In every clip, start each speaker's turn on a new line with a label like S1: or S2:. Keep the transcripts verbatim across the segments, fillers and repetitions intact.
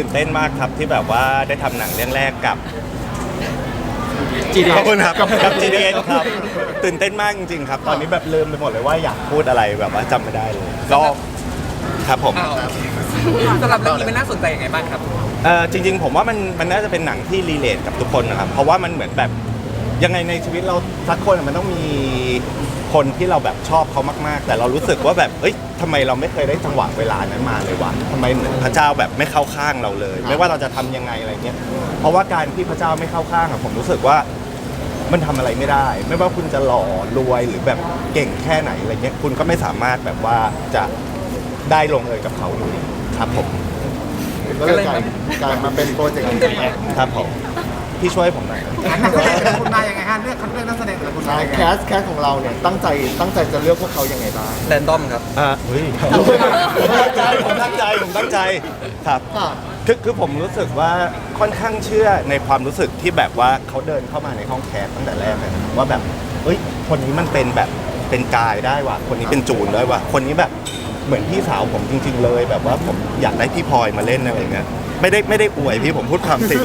S1: ตื่นเต้นมากครับที่แบบว่าได้ทำหนังเรื่องแรกกับ
S2: จี
S1: ขอบคุณครับกับ จี ดี เอส ครับตื่นเต้นมากจริงๆครับตอนนี้แบบลืมไปหมดเลยว่าอยากพูดอะไรแบบว่าจำไม่ได้เลยก็ครับผม
S3: สำหรับเรื่องนี้มันน่าสนใจยังไงบ้างครับ
S1: เออจริงๆผมว่ามันมันน่าจะเป็นหนังที่รีเลทกับทุกคนนะครับเพราะว่ามันเหมือนแบบยังไงในชีวิตเราสักคนอะมันต้องมีคนที่เราแบบชอบเขามากๆ แต่เรารู้สึกว่าแบบเอ้ยทำไมเราไม่เคยได้จังหวะเวลานั้นมาเลยวะทำไมเหมือนพระเจ้าแบบไม่เข้าข้างเราเลย ไม่ว่าเราจะทำยังไงอะไรเงี้ยเพราะว่าการที่พระเจ้าไม่เข้าข้างอะผมรู้สึกว่ามันทำอะไรไม่ได้ ไม่ว่าคุณจะหล่อรวยหรือแบบเก่งแค่ไหนอะไรเงี้ยคุณก็ไม่สามารถแบบว่าจะได้ลงเอยกับเขาอยู่ดีครับผม
S4: ก็เลยกลายกลายมาเป็นโปรเจกต์นี้ขึ้นมา
S1: ครับผมพี่ช่วยผมหน่อย
S5: นักแสดงแต่ละคนมายังไงฮะเลือกคัดเลือกนักแสดงแต่ละคนมา
S4: ใช่
S5: ยังไง
S4: แคสแคสของเราเนี่ยตั้งใจตั้งใจจะเลือกพวกเขายังไงบ้าง
S2: แรนดอมครับ
S1: อ่าเฮ้ยผมตั้งใจผมตั้งใจผมตั้งใจครับ
S4: ค่ะ
S1: คือคือผมรู้สึกว่าค่อนข้างเชื่อในความรู้สึกที่แบบว่าเขาเดินเข้ามาในห้องแคสตั้งแต่แรกเลยนะว่าแบบเอ้ยคนนี้มันเป็นแบบเป็นกายได้ว่ะคนนี้เป็นจูนได้ว่ะคนนี้แบบเหมือนพี่สาวผมจริง ๆ เลย แบบว่าผมอยากได้พี่พลอยมาเล่นอะไรอย่างเงี้ยไม่ได้ไม่ได้อวยพี่ผมพูดความจริง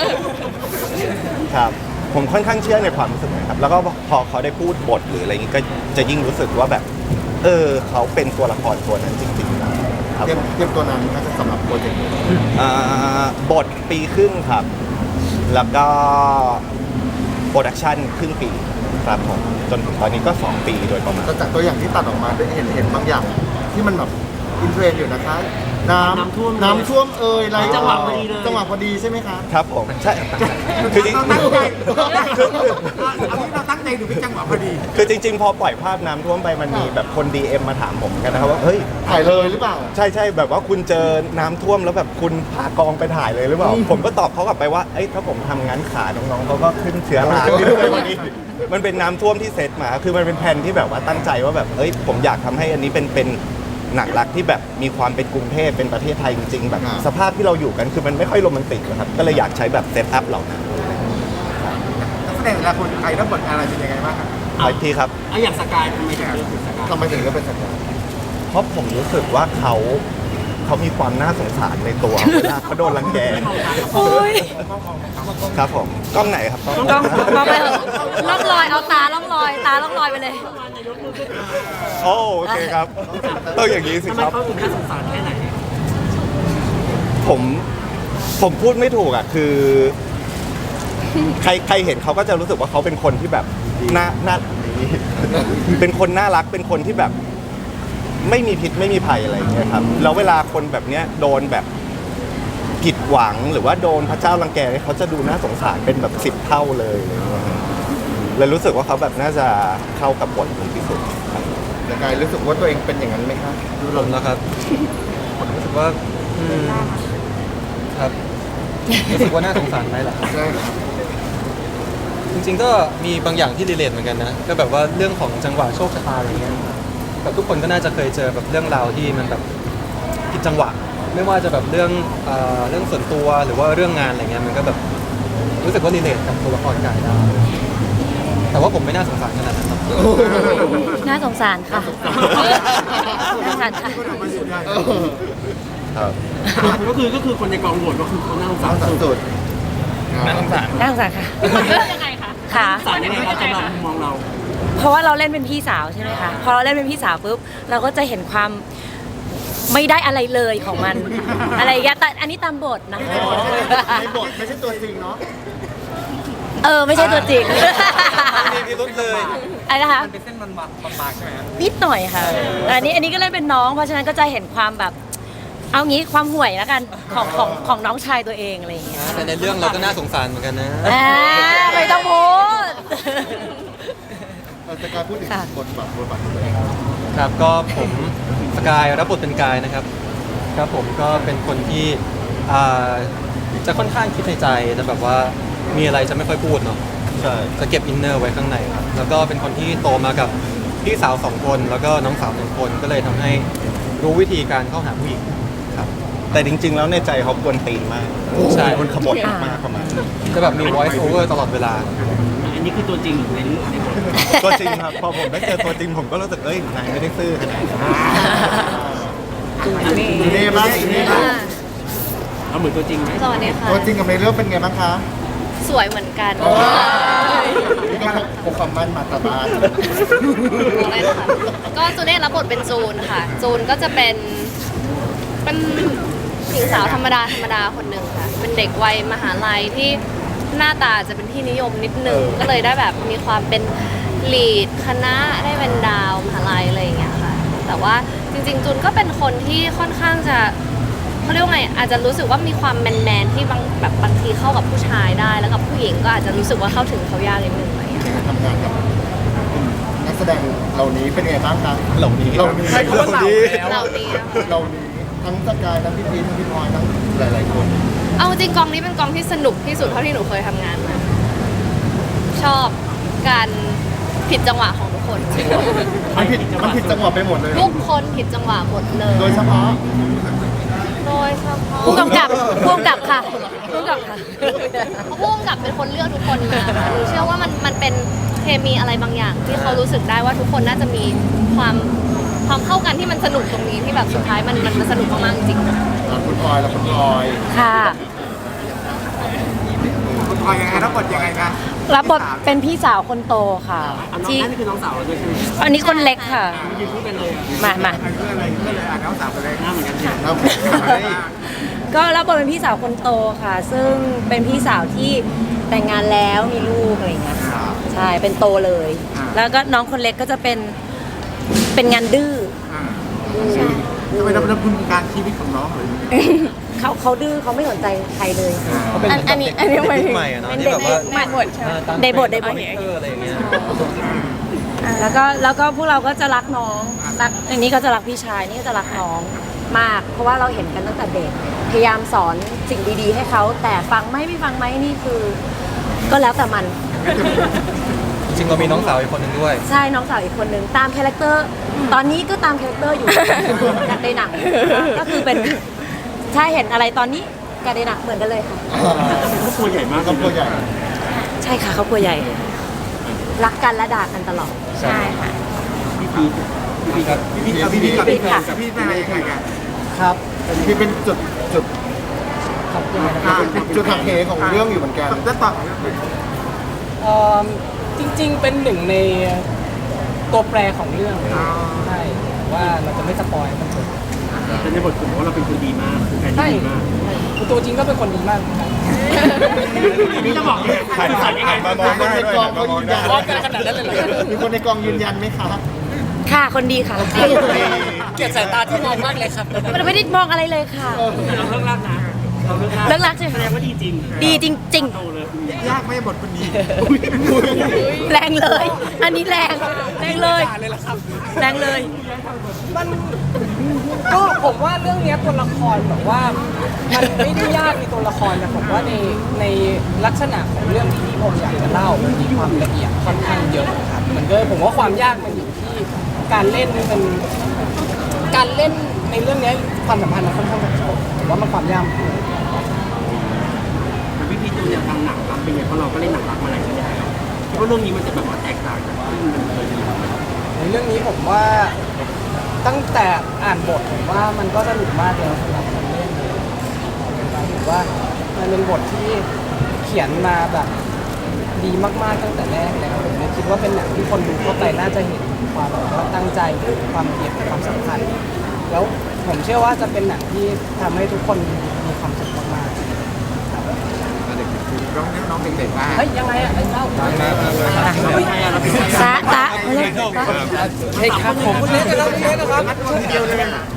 S1: ครับผมค่อนข้างเชื่อในความรู้สึกนะครับแล้วก็พอเขาได้พูดบทหรืออะไรอย่างงี้ก็จะยิ่งรู้สึกว่าแบบ เออเขาเป็นตัวละครตัวนั้นจริงๆนะครับ
S4: เตรียมเตรียมตัวนั้นน่าจะสำหรับโปรเจกต์นี้
S1: อ่าบทปีครึ่งครับ แล้วก็โปรดักชันครึ่งปีครับผมจนถึงตอนนี้ก็สองปีโดยประมาณ
S4: แต่จากตัวอย่างที่ตัดออกมาได้เห็นเห็นบางอย่างที่มันแบบอินเทรนด์อยู่นะคะ น้ำ
S5: น้ำท่วม
S4: น้ำท่วมเอ่ยอะไร
S5: จังหวะพอดีเลย
S4: จังหวะพอดีใช่ไหมคะ
S1: ครับผมใช่คือจริง
S5: เราตั้งใจเอาที่เราตั้งใจดูเป็นจังหวะพอดี
S1: คือจริง ๆ พอปล่อยภาพน้ำท่วมไปมันมีแบบคน ดี เอ็ม มาถามผมกันนะครับว่าเฮ้ย
S4: ถ่ายเลยหรือเปล่า
S1: ใช่ใช่แบบว่าคุณเจอน้ำท่วมแล้วแบบคุณพากองไปถ่ายเลยหรือเปล่า ผมก็ตอบเขากลับไปว่าเอ้ยถ้าผมทำงั้นขาน้องๆเขาก็ขึ้นเชื้อราขึ้นเลยวันนี้ มันเป็นน้ำท่วมที่เซตมา คือมันเป็นแผนที่แบบว่าตั้งใจว่าแบบเอ้ยผมอยากทำให้อันนี้เป็นเป็นหนังรักที่แบบมีความเป็นกรุงเทพเป็นประเทศไทยจริงๆแบบ
S4: อ่า
S1: สภาพที่เราอยู่กันคือมันไม่ค่อยโรแมนติกนะครับก็เลยอยากใช้แบบเซตอัพเหล่านั้น
S5: นักแสดงแต่ละคนใครรับบทอะไรเป็นยังไงบ้างครับ
S1: ไปที่ครับ
S5: อ่ะอย่างสกายทำไมถึงเลือกสกาย
S4: ทำไมถึงเลือกเป็นสัญญา
S1: เพราะผมรู้สึกว่าเขาเขามีความน่าสงสารในตัว เวลาเขาโดนรังแก
S6: โอ้ย
S1: ครับผมกล้องไหนครับกล้อง
S6: ลองลองไปเถอะล่องลอย เอาตาล่องลอย ตาล่องลอยไปเลย
S1: โอ้โอเคครับต้องอย่างนี้สิครับ
S5: เขาถึงน่าสงสารแค่ไหน
S1: ผมผมพูดไม่ถูกอ่ะคือ ใครใครเห็นเขาก็จะรู้สึกว่าเขาเป็นคนที่แบบน่าน่าเป็นคนน่ารักเป็นคนที่แบบ ไม่มีพิษไม่มีภัยอะไรอย่างเงี้ยครับแล้วเวลาคนแบบเนี้ยโดนแบบผิดหวังหรือว่าโดนพระเจ้ารังแกเขาจะดูน่าสงสารเป็นแบบสิบเท่าเลยอะไรเงี้ยเลยรู้สึกว่าเขาแบบน่าจะเข้ากับบทผมที่สุดครับ
S4: แต่กายรู้สึกว่าตัวเองเป็นอย่างนั้นไหมคะ
S2: ผมนะครับ ผมรู้สึกว่าอืมครับ รู้สึกว่าน่าสงสารไหมล่ะครับ
S4: ใช่ครับ
S2: จริงๆก็มีบางอย่างที่รีเลทเหมือนกันนะ ก็แบบว่าเรื่องของจังหวะโชคชะตาอะไรเงี้ยแบบทุกคนก็น่าจะเคยเจอแบบเรื่องราวที่มันแบบผิดจังหวะ ไม่ว่าจะแบบเรื่องเอ่อเรื่องส่วนตัวหรือว่าเรื่องงานอะไรเงี้ย มันก็แบบรู้สึกว่ารีเลทกับตัวละครกายได้ แต่ว่าผมไม่น่าสงสารขนาดนั้นหรอก
S6: น่าสงสารค่ะ น่าสงสารค่ะ
S4: เออ
S1: ครับ
S5: ก็คือก็คือคนในกองโหวตก็คือคนน่าสงสา
S4: สาร มสามสุด
S2: น่าสงสาร
S6: น่าสงสารค่ะยังไงคะค่ะ
S5: สารยังไงครับสำหรับมุมมองเรา
S6: เพราะว่าเราเล่นเป็นพี่สาวใช่ไหมคะ พอเราเล่นเป็นพี่สาวปุ๊บ เราก็จะเห็นความไม่ได้อะไรเลยของมัน อะไรอย่างเงี้ยแต่อันนี้ตามบทนะคะ
S4: ในบทไม่ใช่ตัวจริงเนาะ
S6: เออ ไม่ใช่ตัวจริง
S2: มีพิรุธเลย
S6: อะไรนะคะ
S3: มันเป็นเส้นมันบางๆใช่ไหมครับ
S6: นิดหน่อยค่ะแต่อันนี้อันนี้ก็เล่นเป็นน้อง เพราะฉะนั้นก็จะเห็นความแบบ เอางี้ความห่วยแล้วกันของของของน้องชายตัวเองอะไรอย่างเงี้ย
S2: แต่ในเรื่องเราก็น่าสงสารเหมือนกันนะ
S6: อ่าไม่ต้องพูด
S4: เราจะการพูดถึง
S6: ค่ะ
S4: บทบาทบทบาทของตัวเอง
S2: ครับก็ผมสกายรับบทเป็นกายนะครับ ครับผมก็เป็นคนที่อ่าจะค่อนข้างคิดในใจแต่แบบว่ามีอะไรจะไม่ค่อยพูดเนาะ
S1: ใช่
S2: จะเก็บอินเนอร์ไว้ข้างในครับแล้วก็เป็นคนที่โตมากับพี่สาวสองคนแล้วก็น้องสาวหนึ่งคนก็เลยทำให้รู้วิธีการเข้าหาผู้หญิงครับ
S1: แต่จริง ๆ แล้วในใจเขากวนตีนมาก
S2: ใช่
S1: คนขบฏมากประมาณนั้น
S2: จะแบบมี voice over ตลอดเวลา
S5: อันนี้คือตัวจริงหรือในเรื่องในบท
S1: ตัวจริงครับพอผมได้เจอตัวจริงผมก็รู้สึกเอ้ยนายไม่ได้ซื่อขนาดนั้น
S4: อีเน่บ้างอีเน่บ้าง
S7: เอาเหมือนตัวจริงไหม
S8: สวัสดีค่ะ
S4: ตัวจริงกับในเรื่องเป็นไงบ้างคะ
S8: สวยเหมือนกัน
S4: โอ้นี่ก็พกความมั่นมาตาบ้าน
S8: อะไรนะคะก็จูเน่รับบทเป็นจูนค่ะ จูนก็จะเป็นเป็นหญิงสาวธรรมดาธรรมดาคนหนึ่งค่ะ เป็นเด็กวัยมหาลัยที่หน้าตาจะเป็นที่นิยมนิดนึงก็เลยได้แบบมีความเป็นลีดคณะได้เป็นดาวมหาลัยอะไรอย่างเงี้ยค่ะ แต่ว่าจริงๆจูนก็เป็นคนที่ค่อนข้างจะเขาเรียกว่าไงอาจจะรู้สึกว่ามีความแมนๆที่บางแบบบางทีเข้ากับผู้ชายได้ แล้วกับผู้หญิงก็อาจจะรู้สึกว่าเข้าถึงเขายากนิดนึงอะไรอย่างเงี้ย
S4: ทำงานกับนักแสดงเหล่านี้เป็นไงบ้างคะ
S1: เหล่านี้
S4: เหล่านี้
S7: ใช้คำว่าเหล่าแล้ว
S8: เหล่านี้อะ
S4: เหล่านี้ทั้งสกายทั้งพี่พีชทั้งพี่พลอยทั้งหลายๆคน
S8: เอาจริงกองนี้เป็นกองที่สนุกที่สุดเท่าที่หนูเคยทำงานมาชอบการผิดจังหวะของทุกคน
S4: มันผิดมันผิดจังหวะไปหมดเลย
S8: ทุกคนผิดจังหวะหมดเลย
S4: โดยเฉพาะ
S8: โดยเฉพาะ
S6: ผู้กำกับผู้กำกับค่ะผู้กำกับค่ะ
S8: เพราะผู้กำกับเป็นคนเลือกทุกคนมาค่ะหนูเชื่อว่ามันมันเป็นเคมีอะไรบางอย่าง ที่เขารู้สึกได้ว่าทุกคนน่าจะมีความความเข้ากันที่มันสนุกตรงนี้ที่แบบสุดท้ายมันมันมันสนุกมากๆจริงๆ
S4: อ่ะคุณพลอยแล้วคุณพลอย
S6: ค่ะ
S5: คุณพลอยยังไงรับบทยังไงคะ
S6: รับบทเป็นพี่สาวคนโตค่ะ
S7: อันน้อง
S6: ที่
S7: นั่นคือน้องสาวเราด้วยใช่ไหม
S6: อันนี้คนเล็กค่ะ
S7: ยืนพูดกันเลยอะ
S6: มามา
S5: เพื่ออะไรเพื่ออะไรอ่านน้องสาวไปเลย
S7: หน้าเหมือนกันใช่ไหม
S4: เอา
S6: ก็รับบทเป็นพี่สาวคนโตค่ะ ซึ่งเป็นพี่สาวที่แต่งงานแล้วมีลูกอะไรอย่างเงี้ยค่ะใช่เป็นโตเลย แล้วก็น้องคนเล็กก็จะเป็นเป็นงานดื้อ
S5: อ่าทำไมเราเป็นคุณการชีวิตของน้องเลย
S6: เขาเขาดื้อเขาไม่สนใจใครเลย
S2: เขาเป็นเหมือนกับเด็ก
S6: อันนี้อันนี้
S2: เด็กใหม่อะเนาะ
S6: เป็น
S2: ที่
S6: เด็ก
S2: แบบว่า
S6: ใหม่หมด
S2: เออตาม
S6: ในบทในบท
S2: คาแรคเตอร์อะไรอย่างเงี้ย
S6: แล้วก็แล้วก็พวกเราก็จะรักน้องรักอันนี้ก็จะรักพี่ชายนี่ก็จะรักน้องมาก เพราะว่าเราเห็นกันตั้งแต่เด็กพยายามสอนสิ่งดีๆ ให้เขาแต่ฟังไหมไม่ฟังไหมนี่คือ ก็แล้วแต่มัน
S2: จริงๆเรามีน้องสาวอีกคนหนึ่งด้วย
S6: ใช่น้องสาวอีกคนหนึ่งตามคาแรคเตอร์ตอนนี้ก็ตามคาแรคเตอร์อยู่ จากในหนังก็คือเป็นใช่เห็นอะไรตอนนี้กับในหนังเหมือนกันเลยค่ะ
S7: ครอบครัวใหญ่มาก
S4: ครอบครัวใหญ่
S6: ใช่ค่ะเขาครัวใหญ่ รักกันและด่ากันตลอดใช่ค่ะ
S7: พี่พีชพี่พีชครับ
S5: พี่พี่เอาพี่พี่กับ
S6: พี่
S5: พี่
S6: ค่ะ
S5: กับพี่เป็นอะไรยังไงกัน
S2: ครับ
S4: ที่เป็นจุดจุด
S5: อ่า
S4: จุดหักเหของเรื่องอยู่เหมือนกัน
S5: จะตอบ
S9: เอ่อจริงๆ เป็นหนึ่งในตัวแปรของเรื่องใช่ว่าเราจะไม่สปอยมันเถอะ
S7: แต่ในบทผมว่าเราเป็นคนดีมากคือแฟน
S9: ใช่
S7: ที่ดีมาก
S9: ตัวจริงก็เป็นคนดีมากเหมือนกัน
S7: นี่จะบอกเลย
S1: หัน
S7: คุณ
S1: หั
S7: สั
S1: น
S7: นยังไง
S1: หันมามองหน้าด้วยหันมามองหน้า
S9: ว่ากันขนาดนั้นเลยเหรอ
S4: มีคนในกองยืนยันไหมคะ
S6: ค่ะคนดีค่ะ
S9: เกลียดสายตาที่มองมากเลยครับ
S6: มันไม่ได้มองอะไรเลยค่ะ
S7: แต่เราเลิกรักนะเราเลิกรัก
S6: เลิกรักใช่ไหม
S7: แสดงว่าดีจริง
S6: ดีจริง
S7: โตเลย
S5: ยากไหมบทคนนี้
S6: ๆ แรงเลย อันนี้แรงแรงเลยแรงเลย
S9: มันก็ผมว่าเรื่องเนี้ยตัวละครแบบว่ามันไม่ได้ยากในตัวละครนะผมว่าในในลักษณะของเรื่องที่พี่ผมอยากจะเล่ามันมีความละเอียดค่อนข้างเยอะครับมันก็ผมว่าความยากมันอยู่ที่การเล่นมันการเล่นในเรื่องเนี้ยความสัมพันธ์มันค่อนข้างแบบผมว่ามันความยากมัน
S7: แต่พี่พีชดูเนี่ยทำหนังรักเป็นไงเพราะเราก็เล่นหนังรักมาหลายเรื่องแล้วคิดว่าเรื่องนี้มันจะแบบว่าแตกต่างจากที่มันเคยมีมา
S9: ในเรื่องนี้ผมว่าตั้งแต่อ่านบทผมว่ามันก็สนุกมากเลยสำหรับคนเล่นถือว่ามันเป็นบทที่เขียนมาแบบดีมากๆตั้งแต่แรกแล้วผมเลยคิดว่าเป็นหนังที่คนดูเข้าไปน่าจะเห็นความแบบว่าตั้งใจความละเอียดความสำคัญ แล้วผมเชื่อว่าจะเป็นหนังที่ทำให้ทุกคนมีความสุขมาก
S5: น้องน้องเด็กๆว่า
S9: ๆเฮ้ยยังไงอะไอ้เจ้า
S6: ตาตาเอาเลยตา
S9: เฮ้ยครับผมคุณเล็กนะครับคุณเล็กนะครับ
S5: เดียวเลย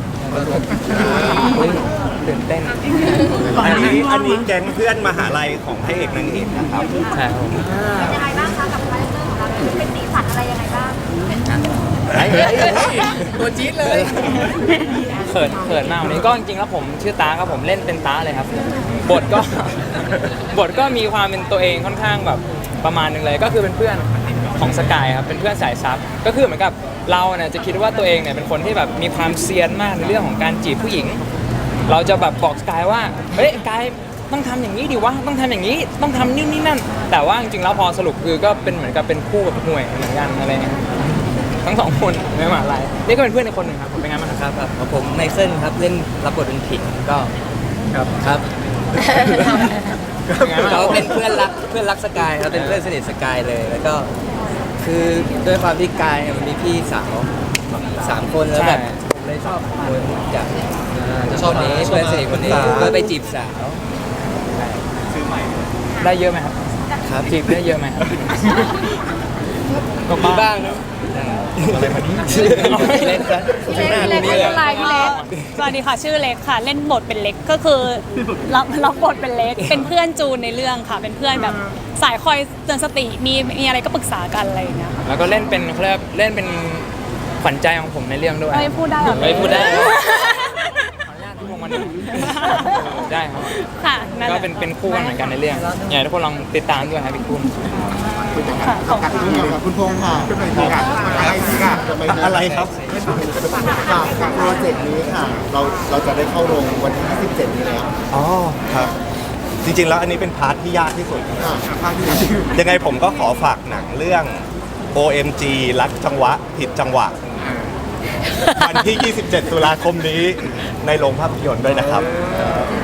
S9: ตื่นเต้น
S1: อันนี้อันนี้แก๊งเพื่อนมหาลัยของพระเอกนางเอกนะครับ
S2: ใช่ครับผม
S8: ยังไงบ้างคะกับคาแรคเตอร์ของเราเป็นสีสันอะไรยังไงบ้าง
S9: ตัวจี๊ดเลย
S10: เขินเขินมากวันนี้ก็จริงๆแล้วผมชื่อตาครับผมเล่นเป็นตาเลยครับ บทก็ บทก็มีความเป็นตัวเองค่อนข้างแบบประมาณหนึงเลยก็คือเป็นเพื่อนของสกายครับเป็นเพื่อนสายซับก็คือเหมือนกับเราเนี่ยจะคิดว่าตัวเองเนี่ยเป็นคนที่แบบมีความเซียนมากในเรื่องของการจีบผู้หญิง เราจะแบบบอกสกายว่าเฮ้ยกายต้องทำอย่างนี้ดิวะต้องทำอย่างนี้ต้องทำนี่นี่นั่น แต่ว่าจริงๆแล้วพอสรุปคือก็เป็นเหมือนกับเป็นคู่กับห่วยเหมือนกันอะไรเงี้ยทั้งสองคนในมหาลัยนี่ก็เป็นเพื่อนในคนหนึ่งครับผมเป็นไงบ้างครับ
S2: ครับผมไมเคิลครับเล่นรับบทเป็นผิงก็ครับครับ
S11: เขาเป็นเพื่อนรักเพื่อนรักสกายครับเป็นเพื่อนสนิทสกายเลย แล้วก็คือด้วยความที่กายเนี่ยมันมีพี่สาวสามคนแล้วแบบผมเลยชอบคนจากชอบนี้เพื่อนสนิทคนนี้ก็ไปจีบสาว
S10: ได้เยอะไหมครับ
S11: ครับ
S10: จีบได้เยอะไหมครับ
S11: ก็มีบ้างนะ
S1: อะไรมานี่
S11: เล่นกัน
S6: พี่เล็กพี่เล็กไม่เป็นไรพี่เล็ก
S12: สวัสดีค่ะชื่อเล็กค่ะ เล่นบทเป็นเล็กก็คือรับรับบทเป็นเล็ก เป็นเพื่อนจูนในเรื่องค่ะ เป็นเพื่อนแบบสายคอยเตือนสติมีมีอะไรก็ปรึกษากันอะไรอย่างเงี้ยค่ะ
S10: แล้วก็เล่นเป็นเขาเรียกเล่นเป็นขวัญใจของผมในเรื่องด้วย
S12: เอ้ยพูดได้เหรอ
S10: ไม่พูดได้ขออนุญาตทุกคนมันได้ครับ
S12: ค่ะนั่นแห
S10: ก็
S12: ละ
S10: เป็นเป็นคู่กันเหมือนกันในเรื่องอยากให้ทุกคนลองติดตามด้วยครับพี่คุณ
S12: ค่ะขอบคุณ
S4: คุณพงษ์ค่ะคุณพงษ์ค่ะอะไรค่ะ
S1: อะไรครับ
S4: ค่ะกับโปรเจกต์นี้ค่ะ เราเราจะได้เข้าโรงวันที่ยี่สิบเจ็ดนี้แล้ว
S1: อ๋อครับ จริงๆแล้วอันนี้เป็นพาร์ทที่ยากที่สุด
S4: ค่ะภาคที่แล้ว
S1: ยังไงผมก็ขอฝากหนังเรื่อง โอ เอ็ม จี รักจังหวะผิดจังหวะ วันที่ ยี่สิบเจ็ด ตุลาคมนี้ในโรงภาพยนตร์ด้วยนะครับ